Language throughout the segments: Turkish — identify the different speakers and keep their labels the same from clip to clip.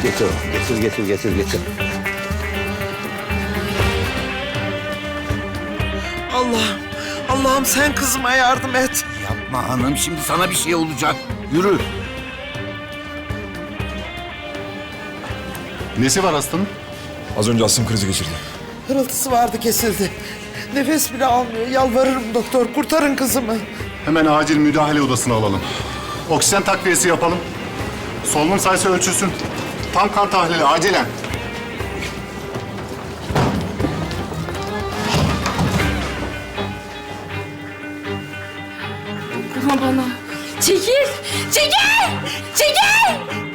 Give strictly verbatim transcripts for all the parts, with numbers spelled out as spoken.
Speaker 1: Getir, getir, getir, getir, getir.
Speaker 2: Allah'ım, Allah'ım sen kızıma yardım et.
Speaker 1: Yapma hanım, şimdi sana bir şey olacak. Yürü.
Speaker 3: Nesi var hastanın?
Speaker 4: Az önce astım krizi geçirdi.
Speaker 2: Hırıltısı vardı, kesildi. Nefes bile almıyor. Yalvarırım doktor, kurtarın kızımı.
Speaker 3: Hemen acil müdahale odasına alalım. Oksijen takviyesi yapalım. Solunum sayısı ölçülsün. Tam kan tahlili acilen.
Speaker 5: Dokunma bana. Çekil! Çekil! Çekil!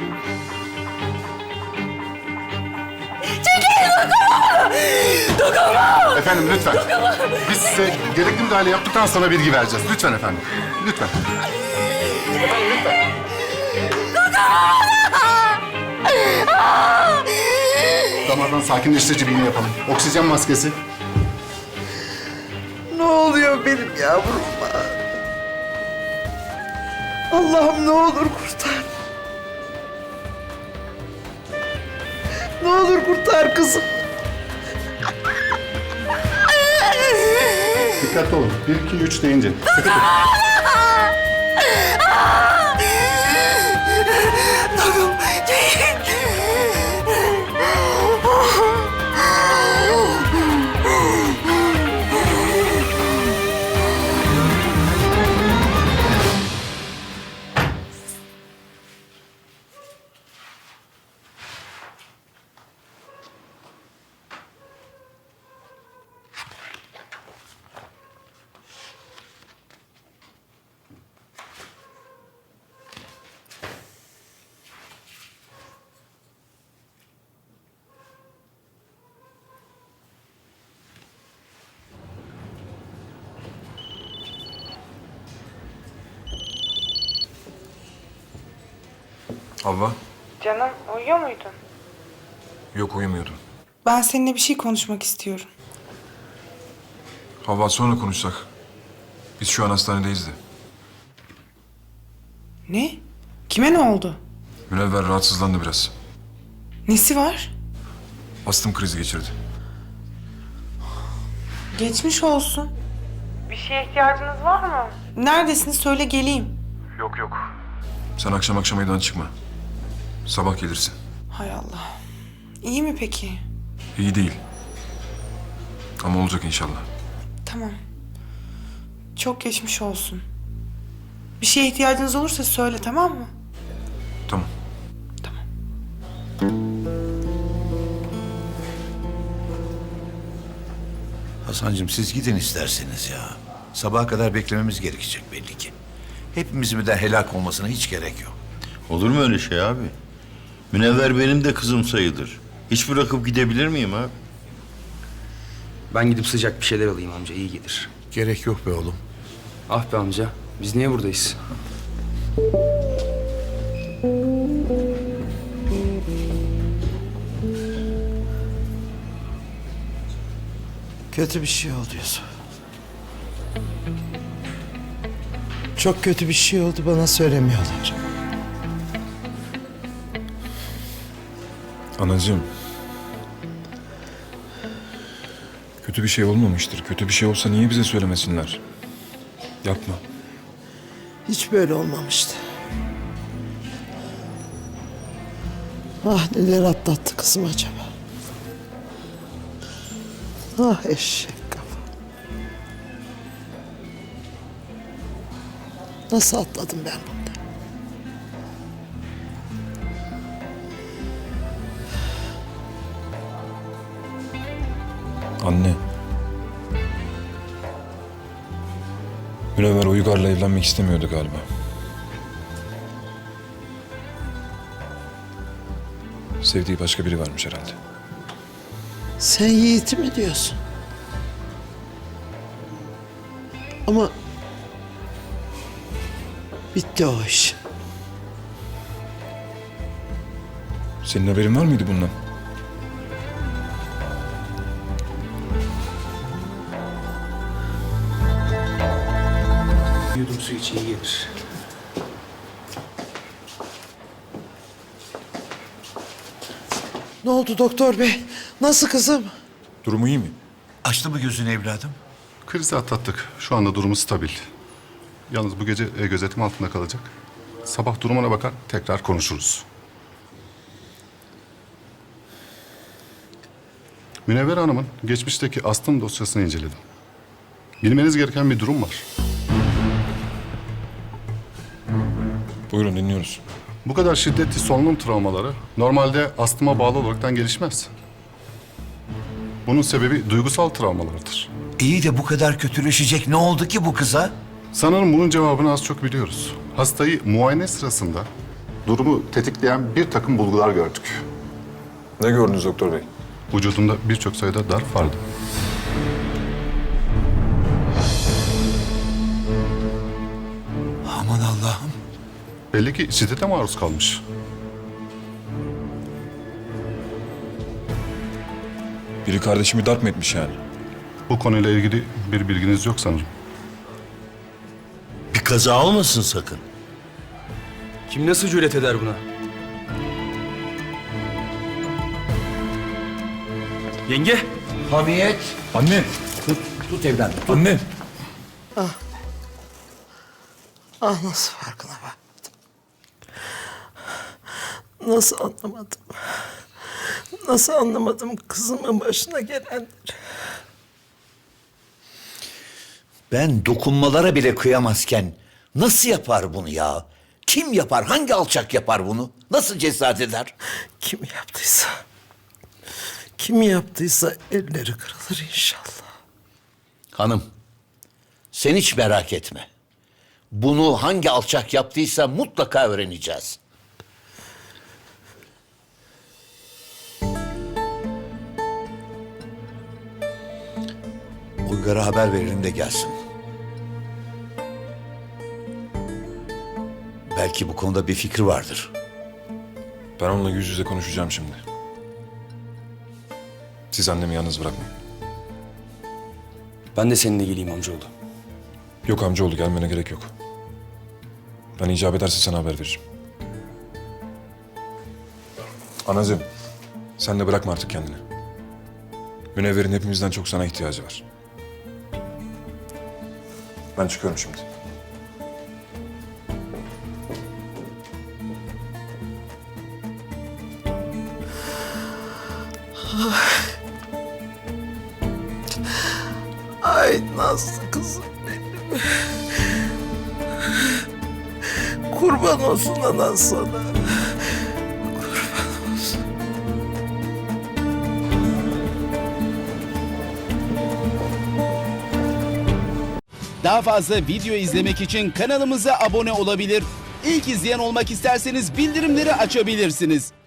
Speaker 5: Çekil! Dokunma! Dokunma!
Speaker 3: Efendim lütfen. Biz size gerekli müdahale yaptıktan sonra bilgi vereceğiz. Lütfen efendim. Lütfen. Damardan sakinleştirici bir iğne yapalım. Oksijen maskesi.
Speaker 2: Ne oluyor benim yavruma? Allah'ım ne olur kurtar. Ne olur kurtar kızım.
Speaker 3: Dikkatli olun. Bir, iki, üç deyince. Dikkat edin.
Speaker 2: Dokunma.
Speaker 4: Havva?
Speaker 6: Canım uyuyor muydun?
Speaker 4: Yok, uyumuyordum.
Speaker 6: Ben seninle bir şey konuşmak istiyorum.
Speaker 4: Havva, sonra konuşsak. Biz şu an hastanedeyiz de.
Speaker 6: Ne? Kime ne oldu?
Speaker 4: Münevver rahatsızlandı biraz.
Speaker 6: Nesi var?
Speaker 4: Astım krizi geçirdi.
Speaker 6: Geçmiş olsun. Bir şeye ihtiyacınız var mı? Neredesiniz? Söyle geleyim.
Speaker 4: Yok yok. Sen akşam akşam evden çıkma. Sabah gelirsin.
Speaker 6: Hay Allah. İyi mi peki?
Speaker 4: İyi değil. Ama olacak inşallah.
Speaker 6: Tamam. Çok geçmiş olsun. Bir şeye ihtiyacınız olursa söyle, tamam mı?
Speaker 4: Tamam.
Speaker 1: Hasancığım siz gidin isterseniz ya. Sabaha kadar beklememiz gerekecek belli ki. Hepimizin birden helak olmasına hiç gerek yok.
Speaker 7: Olur mu öyle şey abi? Münevver benim de kızım sayılır. Hiç bırakıp gidebilir miyim abi?
Speaker 8: Ben gidip sıcak bir şeyler alayım amca, iyi gelir.
Speaker 1: Gerek yok be oğlum.
Speaker 8: Ah be amca, biz niye buradayız?
Speaker 2: Kötü bir şey oldu Yusuf. Çok kötü bir şey oldu, bana söylemiyorlar.
Speaker 4: Anacığım. Kötü bir şey olmamıştır. Kötü bir şey olsa niye bize söylemesinler? Yapma.
Speaker 2: Hiç böyle olmamıştı. Ah neler atlattı kızım acaba. Ah eşek kafa. Nasıl atladım ben bundan?
Speaker 4: Anne. Münevver Uygar'la evlenmek istemiyordu galiba. Sevdiği başka biri varmış herhalde.
Speaker 2: Sen Yiğit'i mi diyorsun? Ama bitti o iş.
Speaker 4: Senin haberin var mıydı bundan?
Speaker 8: Yudum su iç, iyi gelir.
Speaker 2: Ne oldu doktor bey? Nasıl kızım?
Speaker 4: Durumu iyi mi?
Speaker 1: Açtı mı gözünü evladım?
Speaker 3: Krizi atlattık. Şu anda durumu stabil. Yalnız bu gece e, gözetim altında kalacak. Sabah durumuna bakar tekrar konuşuruz. Münevver Hanım'ın geçmişteki astım dosyasını inceledim. Bilmeniz gereken bir durum var.
Speaker 4: Buyurun dinliyoruz.
Speaker 3: Bu kadar şiddetli solunum travmaları normalde astıma bağlı olaraktan gelişmez. Bunun sebebi duygusal travmalardır.
Speaker 1: İyi de bu kadar kötüleşecek ne oldu ki bu kıza?
Speaker 3: Sanırım bunun cevabını az çok biliyoruz. Hastayı muayene sırasında durumu tetikleyen bir takım bulgular gördük.
Speaker 4: Ne gördünüz doktor bey?
Speaker 3: Vücudunda birçok sayıda darp vardı.
Speaker 1: Aman Allah'ım.
Speaker 3: Belli ki şiddete maruz kalmış.
Speaker 4: Biri kardeşimi darp mı etmiş yani?
Speaker 3: Bu konuyla ilgili bir bilginiz yok sanırım.
Speaker 7: Bir kaza olmasın sakın.
Speaker 8: Kim nasıl cüret eder buna? Yenge!
Speaker 2: Hamiyet.
Speaker 4: Anne!
Speaker 2: Tut evladım.
Speaker 4: Anne!
Speaker 2: Ah nasıl farkına varmadım. Nasıl anlamadım. Nasıl anlamadım kızımın başına gelenleri.
Speaker 1: Ben dokunmalara bile kıyamazken nasıl yapar bunu ya? Kim yapar? Hangi alçak yapar bunu? Nasıl cesaret eder?
Speaker 2: Kim yaptıysa, kim yaptıysa elleri kırılır inşallah.
Speaker 1: Hanım, sen hiç merak etme. Bunu hangi alçak yaptıysa mutlaka öğreneceğiz. Uygar'a haber verelim de gelsin. Belki bu konuda bir fikri vardır.
Speaker 4: Ben onunla yüz yüze konuşacağım şimdi. Siz annemi yalnız bırakmayın.
Speaker 8: Ben de seninle geleyim amcaoğlu.
Speaker 4: Yok amcaoğlu gelmene gerek yok. Ben icap ederse sana haber veririm. Anacığım, sen de bırakma artık kendini. Münevver'in hepimizden çok sana ihtiyacı var. Ben çıkıyorum şimdi.
Speaker 2: Ay Nazlı kızım benim. Kurban olsun anan sana. Kurban olsun.
Speaker 9: Daha fazla video izlemek için kanalımıza abone olabilir. İlk izleyen olmak isterseniz bildirimleri açabilirsiniz.